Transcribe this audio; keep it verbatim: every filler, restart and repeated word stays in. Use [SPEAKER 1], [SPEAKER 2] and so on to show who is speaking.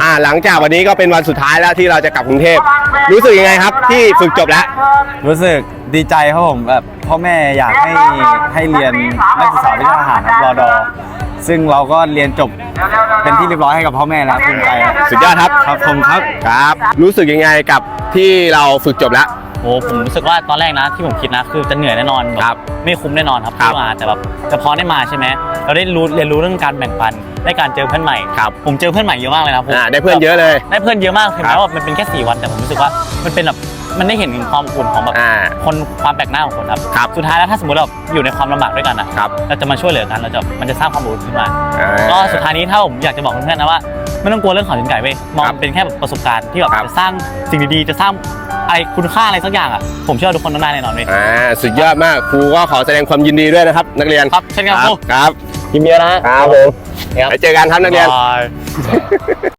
[SPEAKER 1] าหลังจากวันนี้ก็เป็นวันสุดท้ายแล้วที่เราจะกลับกรุงเทพรู้สึกยังไงครับที่ฝึกจบแล้ว
[SPEAKER 2] รู้สึกดีใจครับผมแบบพ่อแม่อยากให้ให้เรียนนักศึกษาวิชาทหารครับรอดอซึ่งเราก็เรียนจบเป็นที่เรียบร้อยให้กับพ่อแม่แล้วภูมิใจ
[SPEAKER 1] สุดยอดครับ
[SPEAKER 2] ครับผมครับ
[SPEAKER 1] ครับรู้สึกยังไงกับที่เราฝึกจบแล้ว
[SPEAKER 3] โอ้ผมรู้สึกว่าตอนแรกนะที่ผมคิดนะคือจะเหนื่อยแน่นอน
[SPEAKER 1] ครับ
[SPEAKER 3] ไม่คุ้มแน่นอนครับที่มาแต่แบบแต่พอได้มาใช่ไหมเราได้รู้เรียนรู้เรื่องการแบ่งปันได้การเจอเพื่อนใหม่
[SPEAKER 1] ครับ
[SPEAKER 3] ผมเจอเพื่อนใหม่เยอะมากเลยนะผม
[SPEAKER 1] ได้เพื่อนเยอะเลย
[SPEAKER 3] ได้เพื่อนเยอะมากถึงแม้ว่ามันเป็นแค่สี่วันแต่ผมรู้สึกว่ามันเป็นแบบมันได้เห็นถึงความอุ่นของแบบคนความแปลกหน้าของคนครับ
[SPEAKER 1] ครับ
[SPEAKER 3] สุดท้ายแล้วถ้าสมมติเราอยู่ในความลำบากด้วยกันนะครับเราจะมาช่วยเหลือกันเราจะมันจะสร้างความอบอุ่นขึ้นมาก็สุดท้ายนี้ถ้าผมอยากจะบอกเพื่อนๆนะว่าไม่ต้องกลัวเรื่องเขาถึงไก่เว้ยมองเป็นแค่แบบประสบการณ์ที่แบบจะสร้างสิ่งดีๆจะสร้างอะไรคุณค่าอะไรสักอย่างอ่ะผมเชื่อทุกคนต้องได้แน่นอนเลย
[SPEAKER 1] อ่าสุดยอดมากครูก็ขอแสดงความยินดีด้วยนะครับนักเรียน
[SPEAKER 3] ครับเช่นกันครู
[SPEAKER 1] ครับ
[SPEAKER 3] ยินดีนะครับ
[SPEAKER 1] ผมไปเจอกันครับนักเรียน